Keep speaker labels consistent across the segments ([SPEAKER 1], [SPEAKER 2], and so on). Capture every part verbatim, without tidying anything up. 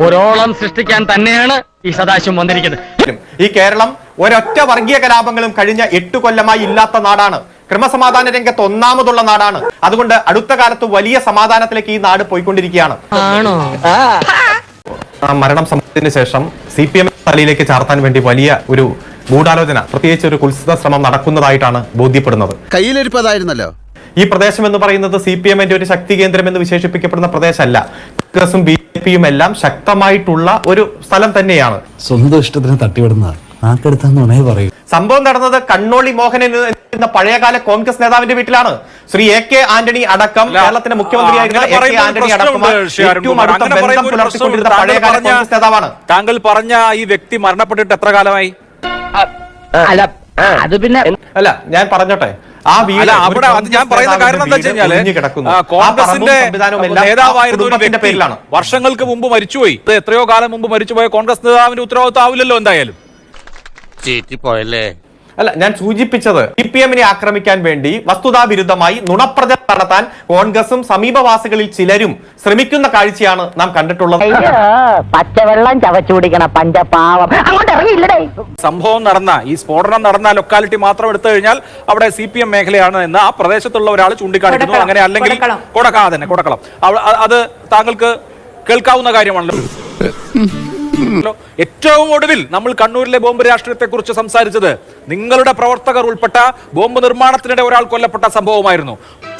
[SPEAKER 1] ഒരോളം സൃഷ്ടിക്കാൻ തന്നെയാണ് ഈ സദാശിവം വന്നിരിക്കുന്നത്.
[SPEAKER 2] ഈ കേരളം ഒരൊറ്റ വർഗീയ കലാപങ്ങളും കഴിഞ്ഞ എട്ടു കൊല്ലമായി ഇല്ലാത്ത നാടാണ്. ക്രമസമാധാന രംഗത്ത് ഒന്നാമതുള്ള നാടാണ്. അതുകൊണ്ട് അടുത്ത കാലത്ത് വലിയ സമാധാനത്തിലേക്ക് ഈ നാട് പോയിക്കൊണ്ടിരിക്കുകയാണ്. ആ മരണം സംഭവത്തിന് ശേഷം സി പി എം തലയിലേക്ക് ചാർത്താൻ വേണ്ടി വലിയ ഒരു ഗൂഢാലോചന, പ്രത്യേകിച്ച് ഒരു കുൽസിത ശ്രമം നടക്കുന്നതായിട്ടാണ് ബോധ്യപ്പെടുന്നത്.
[SPEAKER 3] കയ്യിലിരിപ്പതായിരുന്നല്ലോ.
[SPEAKER 2] ഈ പ്രദേശം എന്ന് പറയുന്നത് സി പി എമ്മിന്റെ ഒരു ശക്തി കേന്ദ്രം എന്ന് വിശേഷിപ്പിക്കപ്പെടുന്ന പ്രദേശമല്ല. കോൺഗ്രസും ബി ജെ പിയും എല്ലാം ശക്തമായിട്ടുള്ള ഒരു സ്ഥലം തന്നെയാണ്.
[SPEAKER 4] സ്വന്തം ഇഷ്ടത്തിന് തട്ടിവിടുന്ന നാക്കെടുത്താന്ന് പറയൂ.
[SPEAKER 2] സംഭവം നടന്നത് കണ്ണോളി മോഹനൻ എന്ന പഴയകാല കോൺഗ്രസ് നേതാവിന്റെ വീട്ടിലാണ്. ശ്രീ എ കെ ആന്റണി അടക്കം കേരളത്തിന്റെ മുഖ്യമന്ത്രിയായിരുന്ന എ കെ ആന്റണി അടക്കം ഏറ്റവും അടുത്ത ബന്ധം പുലർത്തിക്കൊണ്ടിരുന്ന പഴയകാല കോൺഗ്രസ് നേതാവാണ്.
[SPEAKER 5] താങ്കൾ പറഞ്ഞ ഈ വ്യക്തി മരണപ്പെട്ടിട്ട് എത്ര കാലമായി?
[SPEAKER 1] അല്ല അത് പിന്നെ
[SPEAKER 2] അല്ല ഞാൻ പറഞ്ഞോട്ടെ, ആ വീട്
[SPEAKER 5] അവിടെ ഞാൻ പറയുന്ന കാരണം എന്താ വെച്ച് കഴിഞ്ഞാല് കോൺഗ്രസിന്റെ നേതാവായിരുന്ന ഒരു വ്യക്തി വർഷങ്ങൾക്ക് മുമ്പ് മരിച്ചുപോയി. എത്രയോ കാലം മുമ്പ് മരിച്ചുപോയ കോൺഗ്രസ് നേതാവിന്റെ ഉത്തരവാദിത്വം ആവില്ലല്ലോ എന്തായാലും.
[SPEAKER 2] അല്ല ഞാൻ സൂചിപ്പിച്ചത് സി പി എമ്മിനെ ആക്രമിക്കാൻ വേണ്ടി വസ്തുതാ വിരുദ്ധമായി നുണപ്രചരണം നടത്താൻ കോൺഗ്രസും സമീപവാസികളിൽ ചിലരും ശ്രമിക്കുന്ന കാഴ്ചയാണ് നാം കണ്ടിട്ടുള്ളത്.
[SPEAKER 6] പച്ചവെള്ളം ചവച്ചു കുടിക്കണ പഞ്ചപാവം അങ്ങോട്ട് ഇറങ്ങിയില്ലേ.
[SPEAKER 5] സംഭവം നടന്ന ഈ സ്ഫോടനം നടന്ന ലൊക്കാലിറ്റി മാത്രം എടുത്തു കഴിഞ്ഞാൽ അവിടെ സി പി എം മേഖലയാണ് എന്ന് ആ പ്രദേശത്തുള്ള ഒരാൾ ചൂണ്ടിക്കാണിക്കുന്നു. അങ്ങനെ അല്ലെങ്കിൽ കൊടക്ക തന്നെ കൊടക്കളം അത് താങ്കൾക്ക് കേൾക്കാവുന്ന കാര്യമാണല്ലോ. ഏറ്റവും ഒടുവിൽ നമ്മൾ കണ്ണൂരിലെ ബോംബ് രാഷ്ട്രീയത്തെ കുറിച്ച് സംസാരിച്ചത് നിങ്ങളുടെ പ്രവർത്തകർ ഉൾപ്പെട്ട ബോംബ് നിർമ്മാണത്തിനിടെ ഒരാൾ കൊല്ലപ്പെട്ട സംഭവമായിരുന്നു.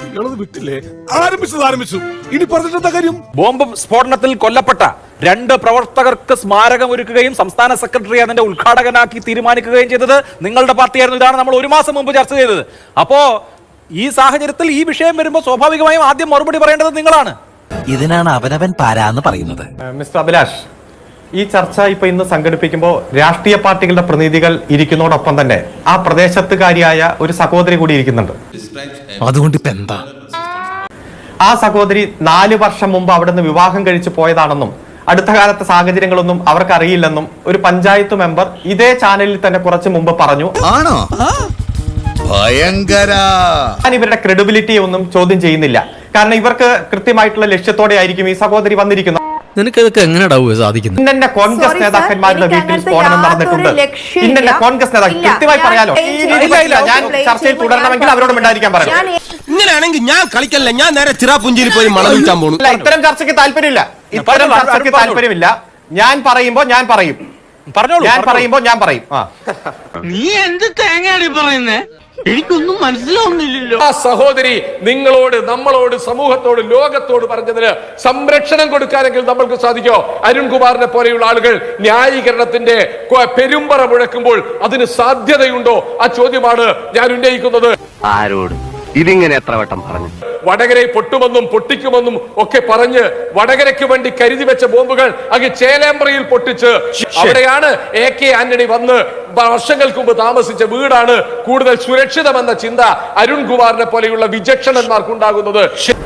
[SPEAKER 5] ബോംബ് സ്ഫോടനത്തിൽ കൊല്ലപ്പെട്ട രണ്ട് പ്രവർത്തകർക്ക് സ്മാരകം ഒരുക്കുകയും സംസ്ഥാന സെക്രട്ടറി അതിന്റെ ഉദ്ഘാടകനാക്കി തീരുമാനിക്കുകയും ചെയ്തത് നിങ്ങളുടെ പാർട്ടിയായിരുന്നു. ഇതാണ് നമ്മൾ ഒരു മാസം മുമ്പ് ചർച്ച ചെയ്തത്. അപ്പോ ഈ സാഹചര്യത്തിൽ ഈ വിഷയം വരുമ്പോൾ സ്വാഭാവികമായും ആദ്യം മറുപടി പറയേണ്ടത് നിങ്ങളാണ്.
[SPEAKER 7] ഇതിനാണ് അവനവൻ പാരാന്ന് പറയുന്നത്.
[SPEAKER 2] മിസ്റ്റർ അഭിലാഷ്, ഈ ചർച്ച ഇപ്പൊ ഇന്ന് സംഘടിപ്പിക്കുമ്പോൾ രാഷ്ട്രീയ പാർട്ടികളുടെ പ്രതിനിധികൾ ഇരിക്കുന്നതോടൊപ്പം തന്നെ ആ പ്രദേശത്തുകാരിയായ ഒരു സഹോദരി കൂടി ഇരിക്കുന്നുണ്ട്.
[SPEAKER 7] അതുകൊണ്ട് ഇപ്പൊ എന്താ?
[SPEAKER 2] ആ സഹോദരി നാല് വർഷം മുമ്പ് അവിടെ നിന്ന് വിവാഹം കഴിച്ചു പോയതാണെന്നും അടുത്ത കാലത്തെ സാഹചര്യങ്ങളൊന്നും അവർക്ക് അറിയില്ലെന്നും ഒരു പഞ്ചായത്ത് മെമ്പർ ഇതേ ചാനലിൽ തന്നെ കുറച്ച് മുമ്പ് പറഞ്ഞു.
[SPEAKER 3] ആണോ? ഭയങ്കര.
[SPEAKER 2] ഞാൻ ഇവരുടെ ക്രെഡിബിലിറ്റി ഒന്നും ചോദ്യം ചെയ്യുന്നില്ല. കാരണം ഇവർക്ക് കൃത്യമായിട്ടുള്ള ലക്ഷ്യത്തോടെ ആയിരിക്കും ഈ സഹോദരി വന്നിരിക്കുന്നത്.
[SPEAKER 4] നിനക്കതൊക്കെ എങ്ങനെയാ സാധിക്കുന്നത്?
[SPEAKER 2] ഇന്നെ കോൺഗ്രസ് നേതാക്കന്മാരുടെ വീട്ടിൽ സ്ഫോടനം നടന്നിട്ടുണ്ട്. ഇന്നെ കോൺഗ്രസ് നേതാക്കൾ കൃത്യമായി പറയാലോ. ഞാൻ ചർച്ചയിൽ തുടരണമെങ്കിൽ അവരോട് മിണ്ടായിരിക്കാൻ പറയാം.
[SPEAKER 3] ഇങ്ങനെയാണെങ്കിൽ ഞാൻ കളിക്കല്ല, ഞാൻ നേരെ ചിറാപുഞ്ചിയിൽ പോയി മണം വിൽക്കാൻ പോകുന്നു.
[SPEAKER 2] ഇത്തരം ചർച്ചയ്ക്ക് താല്പര്യമില്ല. ഇത്തരം ചർച്ചയ്ക്ക് താല്പര്യമില്ല. ഞാൻ പറയുമ്പോ ഞാൻ പറയും ഞാൻ പറയുമ്പോ ഞാൻ പറയും.
[SPEAKER 1] നീ എന്ത് തേങ്ങയാണ് പറയുന്നേ? എനിക്കൊന്നും മനസ്സിലാവുന്നില്ലല്ലോ.
[SPEAKER 8] ആ സഹോദരി നിങ്ങളോട്, നമ്മളോട്, സമൂഹത്തോട്, ലോകത്തോട് പറഞ്ഞതിന് സംരക്ഷണം കൊടുക്കാനെങ്കിൽ നമ്മൾക്ക് സാധിക്കോ? അരുൺകുമാറിനെ പോലെയുള്ള ആളുകൾ ന്യായീകരണത്തിന്റെ പെരുമ്പറ മുഴക്കുമ്പോൾ അതിന് സാധ്യതയുണ്ടോ? ആ ചോദ്യമാണ് ഞാൻ ഉന്നയിക്കുന്നത്.
[SPEAKER 1] ആരോട് ഇതിങ്ങനെ എത്ര വട്ടം പറഞ്ഞു?
[SPEAKER 8] വടകരയെ പൊട്ടുമെന്നും പൊട്ടിക്കുമെന്നും ഒക്കെ പറഞ്ഞ് വടകരയ്ക്ക് വേണ്ടി കരുതി വെച്ച ബോംബുകൾ അങ്ങ് ചേലേമ്പ്രയിൽ പൊട്ടിച്ച് അവിടെയാണ് എ കെ ആന്റണി വന്ന് വർഷങ്ങൾക്ക് മുമ്പ് താമസിച്ച വീടാണ് കൂടുതൽ സുരക്ഷിതമെന്ന ചിന്ത അരുൺകുമാറിനെ പോലെയുള്ള വിചക്ഷണന്മാർക്കുണ്ടാകുന്നത്.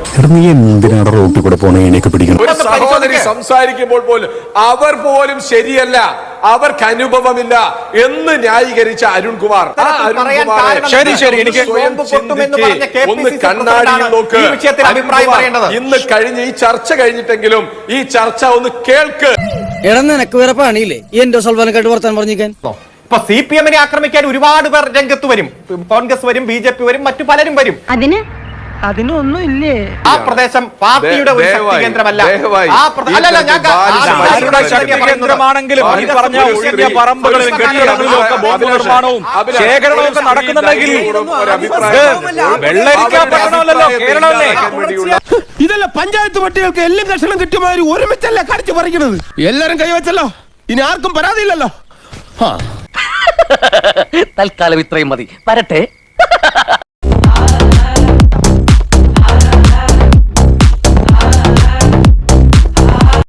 [SPEAKER 8] ഒരു സഹോദരി സംസാരിക്കുമ്പോൾ പോലും അവർ പോലും ശരിയല്ല, അവർക്ക് അനുഭവമില്ല എന്ന് ന്യായീകരിച്ച അരുൺകുമാർ. ആ അരുൺകുമാർ
[SPEAKER 5] ശരി ശരി എനിക്ക്
[SPEAKER 8] ഒന്ന് കണ്ണാടിയിൽ നോക്ക്. ഇന്ന് കഴിഞ്ഞ് ഈ ചർച്ച കഴിഞ്ഞിട്ടെങ്കിലും ഈ ചർച്ച ഒന്ന് കേൾക്ക്.
[SPEAKER 9] നിനക്ക് വേറെ പണിയില്ലേ എന്റെ സൽവാനക്കായിട്ട് വർത്താൻ പറഞ്ഞിരിക്കാൻ?
[SPEAKER 2] ഇപ്പൊ സി പി എമ്മിനെ ആക്രമിക്കാൻ ഒരുപാട് പേർ രംഗത്ത് വരും. കോൺഗ്രസ് വരും, ബി ജെ പി വരും, മറ്റു പലരും വരും.
[SPEAKER 6] അതിന് അതിനൊന്നും ഇല്ലേ?
[SPEAKER 2] ആ പ്രദേശം പാർട്ടിയുടെ ഒരു ശക്തി കേന്ദ്രമല്ല.
[SPEAKER 5] കേന്ദ്രമാണെങ്കിലും ഈ പറഞ്ഞ ഒഴിഞ്ഞ പറമ്പുകളിലും കെട്ടിടങ്ങളിലും ഒക്കെ ബോംബ് നിർമ്മാണവും ശേഖരണവും ഒക്കെ നടക്കുന്നുണ്ടെങ്കിൽ വെള്ളരിക്കപ്പെടണമല്ലോ, കേരളമല്ലേ?
[SPEAKER 3] ഇതല്ല പഞ്ചായത്ത് പട്ടികൾക്ക് എല്ലാം കഷണം കിട്ടിയമാതിരി ഒരുമിച്ചല്ല കടിച്ചു പറിക്കുന്നത്. എല്ലാരും കൈവച്ചല്ലോ, ഇനി ആർക്കും പരാതിയില്ലല്ലോ.
[SPEAKER 1] തൽക്കാലം ഇത്രയും മതി. വരട്ടെ.